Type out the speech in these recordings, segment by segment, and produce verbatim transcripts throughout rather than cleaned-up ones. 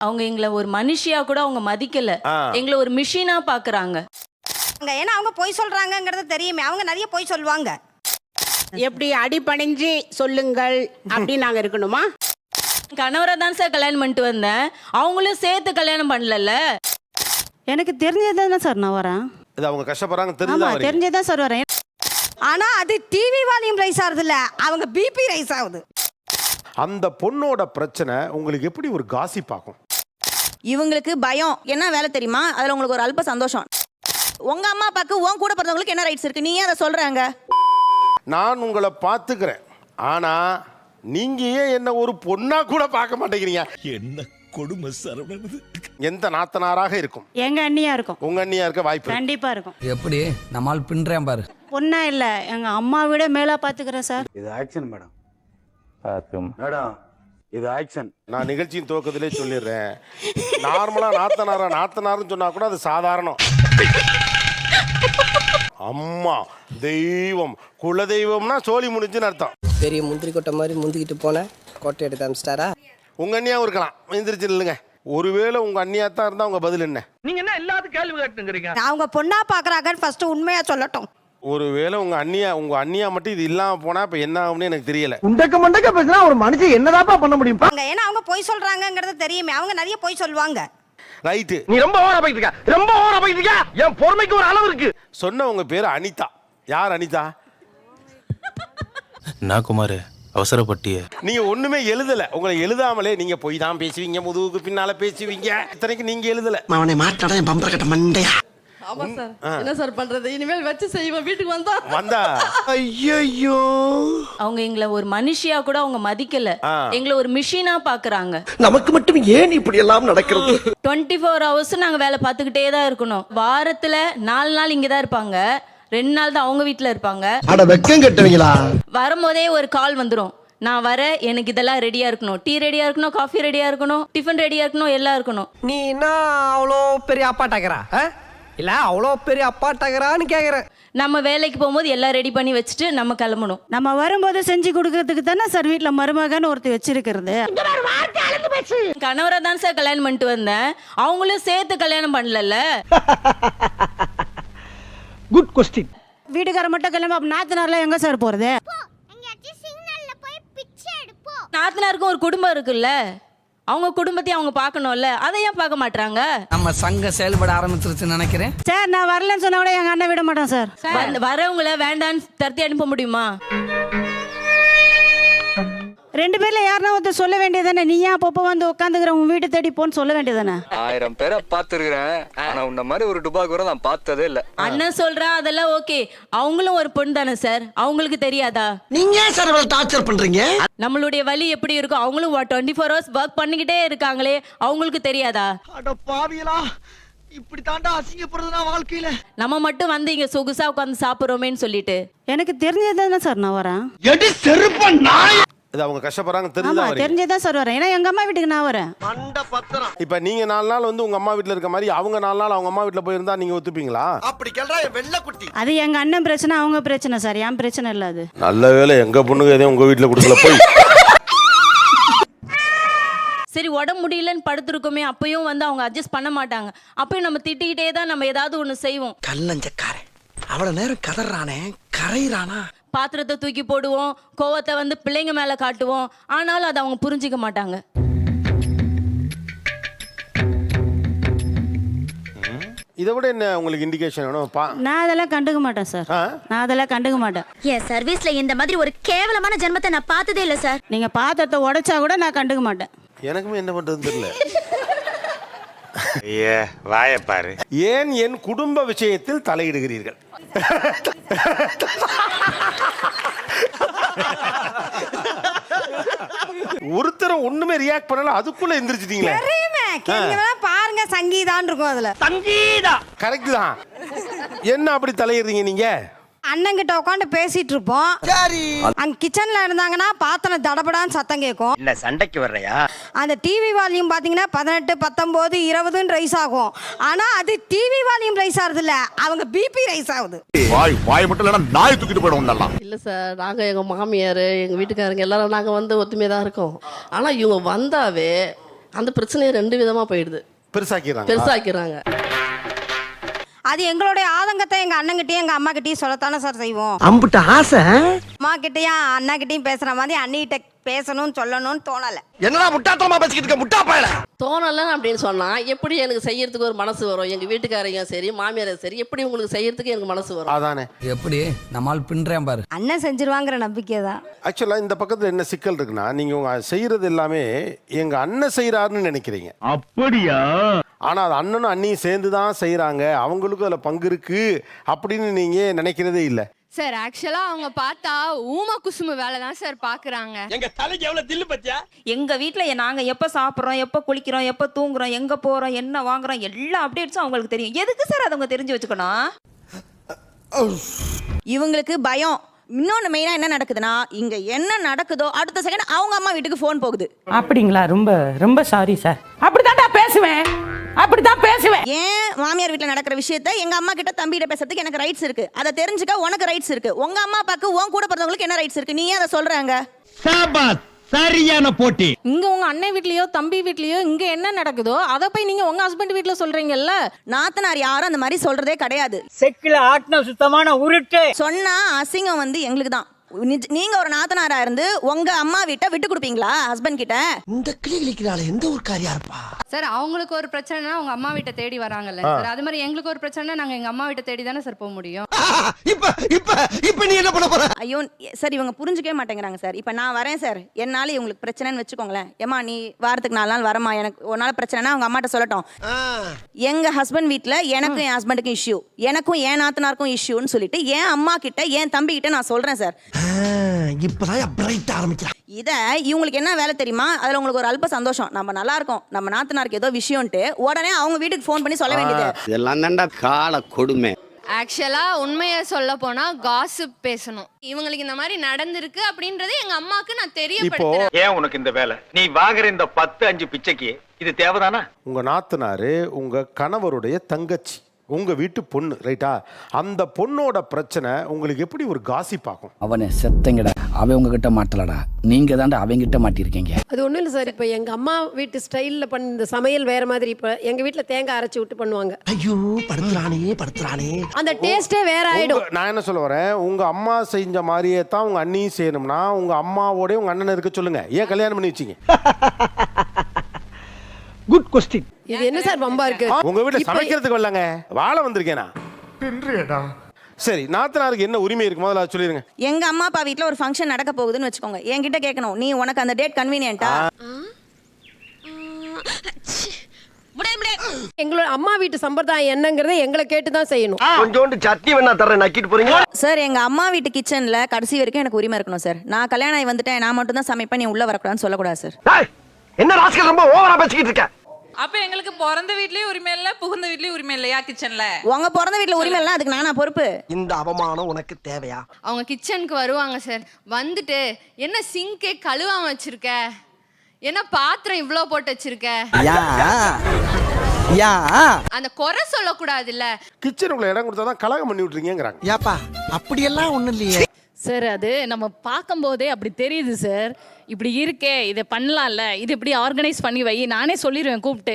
அவங்க எங்களை ஒரு மனுஷியா கூட அவங்க மதிக்கல, எங்களை ஒரு மிஷினா பாக்குறாங்க. ஏன்னா அவங்க பொய் சொல்றாங்கங்கிறது தெரியுமே, அவங்க நிறைய பொய் சொல்லுவாங்க. எப்படி அடிபணிஞ்சு சொல்லுங்கள் அப்படி நாங்க இருக்கணுமா? கணவரை தான் சார் கல்யாணம் பண்ணிட்டு வந்தேன், அவங்களும் சேர்த்து கல்யாணம் பண்ணல. எனக்கு தெரிஞ்சதுதான் சார் நான் வரேன். இது அவங்க கஷ்டப்படுறாங்க ஆமா தெரிஞ்சதா தெரிஞ்சதான் சார் வரேன். ஆனா அது டிவி வால்யூம் ரைஸ் ஆகுது இல்ல, அவங்க பிபி ரைஸ் ஆகுது. அந்த பொண்ணோட பிரச்சனை உங்களுக்கு எப்படி ஒரு காசிப் ஆகும்? இவங்களுக்கு பயம் என்ன வேலை தெரியுமா, அதுல உங்களுக்கு ஒரு அல்ப சந்தோஷம். உங்க அம்மா அப்பாக்கு உன் கூட பிறந்தவங்களுக்கு என்ன ரைட்ஸ் இருக்கு, நீ ஏன் அதை சொல்றாங்க? நான் உங்களை பார்த்துக்கிறேன், ஆனா நீங்க ஏன் என்ன ஒரு பொண்ணா கூட பார்க்க மாட்டேங்கிறீங்க? என்ன கொடுமை சரவணன். எந்த நாத்தனாராக இருக்கும்? எங்க அண்ணியா இருக்கும். உங்க அண்ணியா இருக்க வாய்ப்பு கண்டிப்பா இருக்கும். எப்படி நம்மால் பின்றேன் பாரு. பொண்ணா இல்ல, எங்க அம்மா விட மேலா பாத்துக்கிறேன் சார். இது ஆக்ஷன் மேடம். மேடம் இது ஆக்ஷன். நான் நிகழ்ச்சியின் துவக்கத்திலே சொல்லிடுறேன், நார்மலா நாத்தனாரா நாத்தனார்னு சொன்னா கூட அது சாதாரணம். அம்மா தெய்வம் குல தெய்வம்னா சோழி முடிஞ்சுன்னு அர்த்தம். பெரிய முந்திரி கொட்டை மாதிரி முந்திக்கிட்டு போன கோட்டை எடுத்து அமிச்சிட்டாரா? உங்க அண்ணியாவும் இருக்கலாம், எந்திரிச்சு இல்லைங்க. ஒருவேளை உங்க அண்ணியா தான் இருந்தா உங்க பதில் என்ன? நீங்க என்ன எல்லாத்துக்கும் கேள்வி கேட்டுங்கிறீங்க? அவங்க பொண்ணா பாக்குறாங்கன்னு ஃபர்ஸ்ட் உண்மையா சொல்லட்டும். ஒருவேளை உங்க அண்ணியா உங்க அண்ணியா மட்டும் இது இல்லாம போனா இப்ப என்ன ஆகும்னு எனக்கு தெரியல. உண்டக்க மண்டக்க பேசினா ஒரு மனுஷன் என்னதாப்பா பண்ண முடியும்? ஏன்னா அவங்க பொய் சொல்றாங்கங்கிறது தெரியுமே, அவங்க நிறைய பொய் சொல்லுவாங்க. ரைட்டு, நீ ரொம்ப ஓவரா போயிட்டு இருக்க, ரொம்ப ஓவரா போயிட்டு இருக்க. என் பொறுமைக்கு ஒரு அளவு இருக்கு. சொன்ன உங்க பேரு அனிதா. யார் அனிதா? நான் குமார் அவசரப்பட்டிய. நீங்க ஒண்ணுமே எழுதல, உங்களை எழுதாமலே நீங்க போய் தான் பேசுவீங்க, முதுகுக்கு பின்னால பேசுவீங்க. இத்தனைக்கு நீங்க எழுதல. அவனை மாட்டாடா என் பம்பர கட்ட மண்டையா. ஆமா சார், என்ன சார் பண்றது? இனிமேல் வச்சு செய்வோம். வீட்டுக்கு வந்தா வந்தா ஐயோ, அவங்க எங்களை ஒரு மனுஷியா கூட அவங்க மதிக்கல, எங்களை ஒரு மிஷினா பாக்குறாங்க. நமக்கு மட்டும் ஏன் இப்படி எல்லாம் நடக்கிறது? டுவெண்ட்டி ஃபோர் ஹவர்ஸ் நாங்க வேலை பார்த்துக்கிட்டே தான் இருக்கணும். வாரத்துல நாலு நாள் இங்கதான் இருப்பாங்க, ரெண்டு நாள் தான் அவங்க வீட்டுல இருப்பாங்க. அட வெக்கம் கட்டுவீங்களா? வரும்போதே ஒரு கால் வந்துடும், நான் வர, எனக்கு இதெல்லாம் ரெடியா இருக்கணும், டீ ரெடியா இருக்கணும், காஃபி ரெடியா இருக்கணும், டிஃபன் ரெடியா இருக்கணும், எல்லாம் இருக்கணும். நீ என்ன அவ்வளோ பெரிய அப்பாட்டாக்கிறா இல்ல அவ்வளோ பெரிய அப்பாட்டாக்கிறான்னு கேக்குறேன். நம்ம வேலைக்கு போகும்போது எல்லாம் ரெடி பண்ணி வச்சுட்டு நம்ம கிளம்பணும். நம்ம வரும்போது செஞ்சு கொடுக்கறதுக்கு தானே சார் வீட்டுல மருமகன்னு ஒருத்தர் வச்சிருக்கிறது. கணவரை தான் சார் கல்யாணம் பண்ணிட்டு வந்தேன், அவங்களும் சேர்த்து கல்யாணம் பண்ணல. Good question. வீட்டுக்கார மட்டும் கிளம்ப, அப்ப நாத்தனார்லாம் எங்க சார் போறது? நாத்தனாருக்கும் ஒரு குடும்பம் இருக்குல்ல, அவங்க குடும்பத்தையும் அவங்க பார்க்கணும்ல, அதை ஏன் பார்க்க மாட்டாங்க? நம்ம சங்கம் செயல்பட ஆரம்பிச்சிருச்சுன்னு நினைக்கிறேன் சார். நான் வரலன்னு சொன்னா கூட எங்க அண்ணன் விட மாட்டோம் சார். வரவங்கள வேண்டான்னு தரத்தி அனுப்ப முடியுமா? ரெண்டு பேர்ல யாருன்னா ஒருத்தர் சொல்ல வேண்டியதானே, நீ ஏன் அப்பப்போ வந்து உட்காந்துக்கிற, உன் வீட்டு தேடி போன்னு சொல்ல வேண்டியதானே. ஆயிரம் பேரை பார்த்துருக்கிறேன், ஆனா உன்ன மாதிரி ஒரு டுபா கூட நான் பார்த்ததே இல்ல. அண்ணன் சொல்றா அதெல்லாம் ஓகே, அவங்களும் ஒரு பொண்ணு தானே சார், அவங்களுக்கு தெரியாதா? நீங்க ஏன் சார் இவ்வளவு டார்ச்சர் பண்றீங்க? நம்மளுடைய வலி எப்படி இருக்கும், அவங்களும் டுவெண்ட்டி ஃபோர் ஹவர்ஸ் ஒர்க் பண்ணிக்கிட்டே இருக்காங்களே, அவங்களுக்கு தெரியாதா? அட பாவியலா, இப்படி தாண்டா அசிங்கப்படுறதுனா வாழ்க்கையில. நம்ம மட்டும் வந்து இங்க சொகுசா உட்காந்து சாப்பிடுறோமேன்னு சொல்லிட்டு. எனக்கு தெரிஞ்சதுதானே சார் நான் வரேன். எடி செருப்ப நாய். இது அவங்க கஷ்டப்படுறாங்க தெரிஞ்சதா வரீங்க? தெரிஞ்சதான் சார் வரேன், ஏன்னா எங்க அம்மா வீட்டுக்கு நான் வரேன். இப்ப நீங்க நாலு நாள் வந்து உங்க அம்மா வீட்டுல இருக்க மாதிரி அவங்க நாலு நாள் அவங்க அம்மா வீட்டுல போயிருந்தா நீங்க ஒத்துப்பீங்களா? அப்படி கேள்றா வெள்ள குட்டி. அது எங்க அண்ணன் பிரச்சனை, அவங்க பிரச்சனை சார், என் பிரச்சனை இல்ல அது. நல்ல வேளை எங்க பொண்ணுங்க எதையும் உங்க வீட்டுல கொடுக்கல போய். சரி, உடம்பு முடியலன்னு படுத்துருக்கோமே, அப்பயும் வந்து அவங்க அட்ஜஸ்ட் பண்ண மாட்டாங்க, அப்பயும் நம்ம திட்டிக்கிட்டே தான் நம்ம ஏதாவது ஒண்ணு செய்வோம். கல்லஞ்சக்காரன் அவ்வளவு நேரம் கதறானே, கரையிறானா? பாத்திரத்தை தூக்கி போடுவோம், கோவத்தை வந்து பிள்ளைங்க மேல காட்டுவோம், ஆனாலும் அதை அவங்க புரிஞ்சிக்க மாட்டாங்க. இதை விட என்ன உங்களுக்கு இண்டிகேஷன் வேணும்? நான் அதெல்லாம் கண்டுக்க மாட்டேன் சார், நான் அதெல்லாம் கண்டுக்க மாட்டேன். என் சர்வீஸ்ல இந்த மாதிரி ஒரு கேவலமான ஜென்மத்தை நான் பார்த்ததே இல்ல சார். நீங்க பாத்திரத்தை உடைச்சா கூட நான் கண்டுக்க மாட்டேன். எனக்குமே என்ன பண்றதுன்னு தெரியல. ஏ வாய பாரு. ஏன் என் குடும்ப விஷயத்தில் தலையிடுகிறீர்கள்? ஒருத்தர் ஒண்ணுமே ரியாக்ட் பண்ணல, அதுக்குள்ள எந்திரிச்சிட்டீங்களே. பாருங்க, சங்கீதான் இருக்கும் அதுல. சங்கீதா கரெக்ட் தான். என்ன அப்படி தலையிடுறீங்க நீங்க? அண்ணங்கிட்ட உட்காந்து பேசிட்டு இருப்போம், அங்க கிச்சன்ல இருந்தாங்கன்னா பாத்திரம் தடபடான்னு சத்தம் கேட்கும். என்ன சண்டைக்கு வர்றையா? அந்த டிவி வால்யூம் பாத்தீங்கன்னா பதினெட்டு பத்தொன்பது இருபதுன்னு ரைஸ் ஆகும், ஆனா அது டிவி வால்யூம் ரைஸ் ஆகுது இல்ல, அவங்க பிபி ரைஸ் ஆகுது. வாய் வாய் மட்டும் இல்ல, நாய் தூக்கிட்டு போயிடும். இல்ல சார், நாங்க எங்க மாமியார் எங்க வீட்டுக்காரங்க எல்லாரும் நாங்க வந்து ஒத்துமையா தான் இருக்கோம். ஆனா இவங்க வந்தாவே அந்த பிரச்சனையை ரெண்டு விதமா போயிடுது, பெருசாக்கிறாங்க பெருசாக்கிறாங்க. அது எங்களுடைய ஆதங்கத்தை எங்க அண்ணங்கிட்டயும் எங்க அம்மா கிட்டயும் சொல்லத்தானே சார் செய்வோம். அம்புட்ட ஆசை அம்மா கிட்டயும் அண்ணா கிட்டயும் பேசுற மாதிரி அண்ணிகிட்ட பேசணும்னு சொல்லணும்னு தோணல. என்னடா முட்டாத்தனமா பேசிக்கிட்டு இருக்க முட்டா பயல. தோணல அப்படின்னு சொன்னா எப்படி எனக்கு செய்யறதுக்கு ஒரு மனசு வரும்? எங்க வீட்டுக்காரங்க சரி மாமியாரும் சரி எப்படி உங்களுக்கு செய்யறதுக்கு எனக்கு மனசு வரும்? அதானே எப்படி நம்மால் பின்றேன் பாரு. அண்ணன் செஞ்சிருவாங்கிற நம்பிக்கை தான். ஆக்சுவலாக இந்த பக்கத்தில் என்ன சிக்கல் இருக்குன்னா, நீங்கள் உங்கள் செய்கிறது எல்லாமே எங்கள் அண்ணன் செய்கிறாருன்னு நினைக்கிறீங்க. அப்படியா? ஆனால் அது அண்ணனும் அண்ணியும் சேர்ந்து தான் செய்கிறாங்க, அவங்களுக்கும் அதில் பங்கு இருக்குது அப்படின்னு நீங்கள் நினைக்கிறதே இல்லை. சார் ஆக்சுவலா அவங்க பார்த்தா ஊம குசுமு வேலை தான் சார் பாக்குறாங்க. எங்க தலைக்கு எவ்வளவு தில்லு பத்தியா? எங்க வீட்ல நாங்க எப்ப சாப்பிடுறோம், எப்ப குளிக்கிறோம், எப்ப தூங்குறோம், எங்க போறோம், என்ன வாங்குறோம், எல்லா அப்டேட்ஸும் அவங்களுக்கு தெரியும். எதுக்கு சார் அதை அவங்க தெரிஞ்சு வச்சுக்கணும்? இவங்களுக்கு பயம். இன்னொன்று மெயினாக என்ன நடக்குதுன்னா, இங்கே என்ன நடக்குதோ அடுத்த செகண்ட் அவங்க அம்மா வீட்டுக்கு ஃபோன் போகுது. அப்படிங்களா? ரொம்ப ரொம்ப சாரி சார். அப்படித்தான்டா பேசுவேன், அப்படித்தான் பேசுவேன். ஏன் மாமியார் வீட்டில் நடக்கிற விஷயத்த எங்கள் அம்மா கிட்ட தம்பிகிட்ட பேசுறதுக்கு எனக்கு ரைட்ஸ் இருக்கு, அதை தெரிஞ்சுக்க உனக்கு ரைட்ஸ் இருக்கு. உங்க அம்மா அப்பாவுக்கு உன் கூட பிறந்தவங்களுக்கு என்ன ரைட்ஸ் இருக்கு? நீ ஏன் அதை சொல்றாங்க? சாபாஸ், சரியான போட்டி. இங்க உங்க அண்ணன் வீட்லயோ தம்பி வீட்லயோ இங்க என்ன நடக்குதோ அதை போய் நீங்க உங்க ஹஸ்பண்ட் வீட்ல சொல்றீங்கல்ல. நாத்தனார் யாரும் அந்த மாதிரி சொல்றதே கிடையாது. செக்கில ஆட்டின சுத்தமான உருட்டு சொன்னா அசிங்கம் வந்து எங்களுக்கு தான். நீங்க ஒரு நாத்தனாரா இருந்து உங்க அம்மா வீட்டை விட்டு கொடுப்பீங்களா ஹஸ்பண்ட் கிட்ட? இந்த கிளி கிளிக்கிறாள் எந்த ஒரு காரியா இருப்பா சார் அவங்களுக்கு ஒரு பிரச்சனைனா அவங்க அம்மா வீட்டை தேடி வராங்கல்ல சார், அது மாதிரி எங்களுக்கு ஒரு பிரச்சனை நாங்க எங்க அம்மா வீட்டை தேடி தானே சார் போக முடியும். இப்ப இப்ப இப்ப நீ என்ன பண்ண போற? ஐயோ சார் இவங்க புரிஞ்சுக்கவே மாட்டேங்கிறாங்க சார். இப்ப நான் வரேன் சார், என்னால இவங்களுக்கு பிரச்சனைன்னு வச்சுக்கோங்களேன். ஏமா நீ வாரத்துக்கு நாலு நாள் வரமா, எனக்கு ஒரு நாள் பிரச்சனைனா அவங்க அம்மாட்ட சொல்லட்டும். எங்க ஹஸ்பண்ட் வீட்ல எனக்கும் என் ஹஸ்பண்டுக்கும் இஷ்யூ, எனக்கும் என் நாத்தனாருக்கும் இஷ்யூன்னு சொல்லிட்டு என் அம்மா கிட்ட என் தம்பி கிட்ட நான் சொல்றேன் சார். இப்பதான் பிரைட் ஆரம்பிக்கிறான். இத இவங்களுக்கு என்ன வேலை தெரியுமா? அதுல உங்களுக்கு ஒரு அல்ப சந்தோஷம், நம்ம நல்லா இருக்கோம், நம்ம நாத்தனாருக்கு ஏதோ விஷயம்ட்டு உடனே அவங்க வீட்டுக்கு ஃபோன் பண்ணி சொல்ல வேண்டியது. இதெல்லாம் தான்டா கால கொடுமை. ஆக்சுவலா உண்மையை சொல்ல போனா காசிப் பேசணும். இவங்களுக்கு இந்த மாதிரி நடந்திருக்கு அப்படின்றது எங்க அம்மாக்கு நான் தெரியப்படுத்துறேன். ஏன் உனக்கு இந்த வேலை? நீ வாங்குற இந்த பத்து அஞ்சு பிச்சைக்கு இது தேவைதானா? உங்கள் நாத்தனாரு உங்கள் கணவருடைய தங்கச்சி, உங்கள் வீட்டு பொண்ணு, ரைட்டா? அந்த பொண்ணோட பிரச்சனை உங்களுக்கு எப்படி ஒரு காசிப் ஆகும்? அவனை செத்தங்கடா, அவன் உங்ககிட்ட மாட்டலடா, நீங்க தாண்டா அவங்கிட்ட மாட்டிருக்கீங்க. அது ஒண்ணும் இல்லை சார். இப்போ எங்க அம்மா வீட்டு ஸ்டைல்ல பண்ண இந்த சமையல் வேற மாதிரி. இப்போ எங்க வீட்டுல தேங்காய் அரைச்சி விட்டு பண்ணுவாங்க. ஐயோ படுத்துறானே படுத்துறானே, அந்த டேஸ்டே வேற ஆயிடும். உங்க- நான் என்ன சொல்ல வரேன், உங்கள் அம்மா செஞ்ச மாதிரியே தான் உங்கள் அண்ணியும் செய்யணும்னா உங்கள் அம்மாவோட உங்கள் அண்ணனை இருக்க சொல்லுங்க. ஏன் கல்யாணம் பண்ணி வச்சிங்க? Good question. இது என்ன சார் பம்பா இருக்கு? உங்க வீட்டுல சமைக்கிறதுக்கு வரலங்க, வாழ வந்திருக்கேனா? சரி, நாத்தனாருக்கு என்ன உரிமை இருக்கு முதல்ல அதை சொல்லிருங்க. எங்க அம்மா அப்பா வீட்ல ஒரு ஃபங்க்ஷன் நடக்க போகுதுன்னு வச்சுக்கோங்க, என்கிட்ட கேட்கணும், நீ உனக்கு அந்த டேட் கன்வீனியன்ட்டா? எங்களோட அம்மா வீட்டு சம்பிரதாயம் என்னங்கறதை எங்களை கேட்டு தான் செய்யணும். கொஞ்சோண்டு சட்னி வேணா தரேன், நக்கிட்டு போறீங்க. சார் எங்க அம்மா வீட்டு கிச்சன்ல கடைசி வரைக்கும் எனக்கு உரிமை இருக்கணும் சார். நான் கல்யாணம் ஆகி வந்துட்டேன், நான் மட்டும் தான் சமைப்பேன், நீ உள்ள வரக்கூடாதுன்னு சொல்லக்கூடாது சார். என்ன ராஸ்கல் ரொம்ப ஓவரா பேசிக்கிட்டு இருக்க? அப்ப எங்களுக்கு பிறந்த வீட்லயும் உரிமை இல்ல, புகுந்த வீட்லயும் உரிமை இல்லையா கிச்சன்ல? உங்க பிறந்த வீட்ல உரிமை இல்ல, அதுக்கு நானா பொறுப்பு? இந்த அவமானம் உனக்கு தேவையா? அவங்க கிச்சனுக்கு வருவாங்க சார், வந்துட்டு என்ன சிங்கே கழுவாம வச்சிருக்க, என்ன பாத்திரம் இவ்ளோ போட்டு வச்சிருக்க, அந்த குறை சொல்லக்கூடாது இல்ல. கிச்சனுக்குள்ள இடம் கொடுத்தா தான் கலகம் பண்ணி விட்டுறீங்கிறாங்க. ஏப்பா அப்படியெல்லாம் ஒண்ணும் இல்லையே சார். அது நம்ம பார்க்கும்போதே அப்படி தெரியுது சார். இப்படி இருக்கே, இதை பண்ணலாம்ல, இது இப்படி ஆர்கனைஸ் பண்ணி வை, நானே சொல்லிடுவேன் கூப்பிட்டு.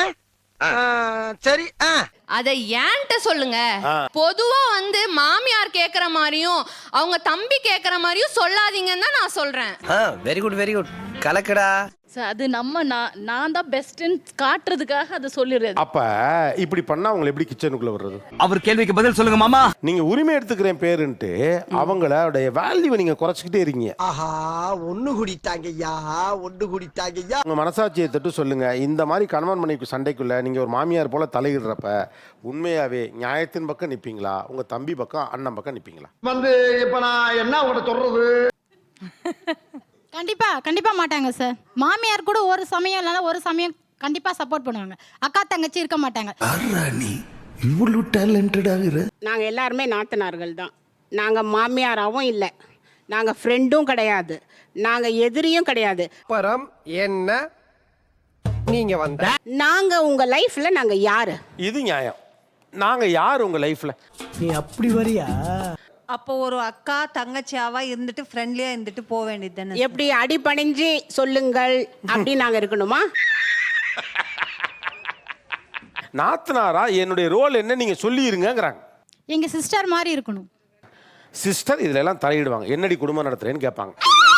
சரி அதை ஏன்ட்ட சொல்லுங்க. பொதுவா வந்து மாமியார் கேக்குற மாதிரியும் அவங்க தம்பி கேக்குற மாதிரியும் சொல்லாதீங்கன்னு தான் நான் சொல்றேன். வெரி குட் வெரி குட், கலக்கடா. அது நம்ம நான் தான் பெஸ்ட்ன்னு காட்டுறதுக்காக அதை சொல்லிடுறது. அப்ப இப்படி பண்ணா அவங்க எப்படி கிச்சனுக்குள்ள வர்றது? அவர் கேள்விக்கு பதில் சொல்லுங்க மாமா. நீங்க உரிமை எடுத்துக்கிறேன் பேருன்ட்டு அவங்களுடைய வேல்யூவை நீங்க குறைச்சிக்கிட்டே இருக்கீங்க. ஆஹா, ஒண்ணு குடித்தாங்கய்யா, ஒண்ணு குடித்தாங்கய்யா. உங்க மனசாட்சியை தட்டு சொல்லுங்க, இந்த மாதிரி கணவன் மனைவி சண்டைக்குள்ள நீங்க ஒரு மாமியார் போல தலையிடுறப்ப உண்மையாவே நியாயத்தின் பக்கம் நிப்பீங்களா, உங்க தம்பி பக்கம் அண்ணன் பக்கம் நிப்பீங்களா? வந்து இப்ப நான் என்ன உங்கள்ட்ட சொல்றது? கண்டிப்பா கண்டிப்பா மாட்டாங்க சார். மாமியார் கூட ஒரு சமயம் இல்லைன்னா ஒரு சமயம் கண்டிப்பா சப்போர்ட் பண்ணுவாங்க. அக்கா தங்கச்சி இருக்க மாட்டாங்க. இவ்வளவு டேலண்டடாக. நாங்க எல்லாருமே நாத்தனார்கள் தான். நாங்க மாமியாராவும் இல்லை, நாங்க ஃப்ரெண்டும் கிடையாது, நாங்க எதிரியும் கிடையாது. பரம் என்ன நீங்க வந்த, நாங்க உங்க லைஃப்ல நாங்க யாரு? இது நியாயம். நாங்க யார் உங்க லைஃப்ல? நீ அப்படி வரியா? அப்போ ஒரு அக்கா தங்கச்சியாவா இருந்துட்டு ஃப்ரெண்ட்லியா இருந்துட்டு போக வேண்டியது தானே. எப்படி அடிபணிஞ்சு சொல்லுங்கள் அப்படி நாங்க இருக்கணுமா? நாத்தனாரா என்னுடைய ரோல் என்ன நீங்க சொல்லிருங்கிறாங்க. எங்க சிஸ்டர் மாதிரி இருக்கணும். சிஸ்டர் இதுல எல்லாம் தலையிடுவாங்க. என்னடி குடும்பம் நடத்துறேன்னு கேட்பாங்க.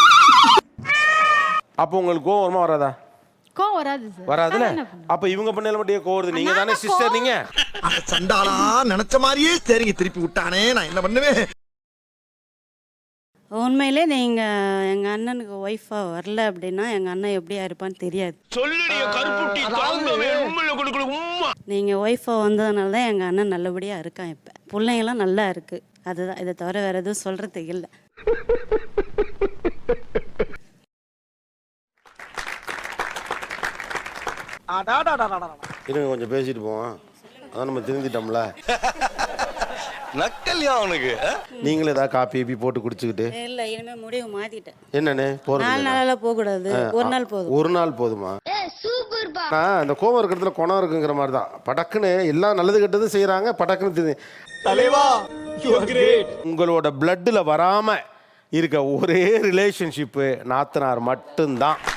அப்போ உங்களுக்கு கோவம் வருமா வராதா? கோவம் வராது சார். வராதுல. அப்ப இவங்க பண்ணல மட்டும் கோவம் வருது. நீங்க தானே சிஸ்டர். நீங்க அந்த சண்டாளா நினைச்ச மாதிரியே சரிங்க திருப்பி விட்டானே, நான் என்ன பண்ணுவேன்? உண்மையிலே நீங்கள் எங்கள் அண்ணனுக்கு ஒய்ஃபாக வரல அப்படின்னா எங்கள் அண்ணன் எப்படியா இருப்பான்னு தெரியாது. நீங்கள் ஒய்ஃபாக வந்ததுனால தான் எங்கள் அண்ணன் நல்லபடியாக இருக்கான். இப்போ பிள்ளைங்களாம் நல்லா இருக்கு. அதுதான், இதை தவிர வேறு எதுவும் சொல்கிறதுக்கு இல்லை. இருங்க கொஞ்சம் பேசிட்டு போவோம். அதான் நம்ம திருந்திட்டோம்ல. நக்கல்யா அவனுக்கு. நீங்களும் ஏதாவது காப்பி கீப்பி போட்டு குடிச்சுக்கிட்டு. இல்லை, இனிமேல் முடிவு மாற்றிட்டேன். என்னன்னு போறது? நாலு நாளாக போகக்கூடாது, ஒரு நாள் போதும். ஒரு நாள் போதுமா? இந்த கோவம் இருக்கிறதுல குணம் இருக்குங்கிற மாதிரி தான். படக்குன்னு எல்லாம் நல்லது கெட்டதும் செய்யறாங்க. படக்குன்னு உங்களோட பிளட்ல வராம இருக்க ஒரே ரிலேஷன்ஷிப்பு நாத்தனார் மட்டும்தான்.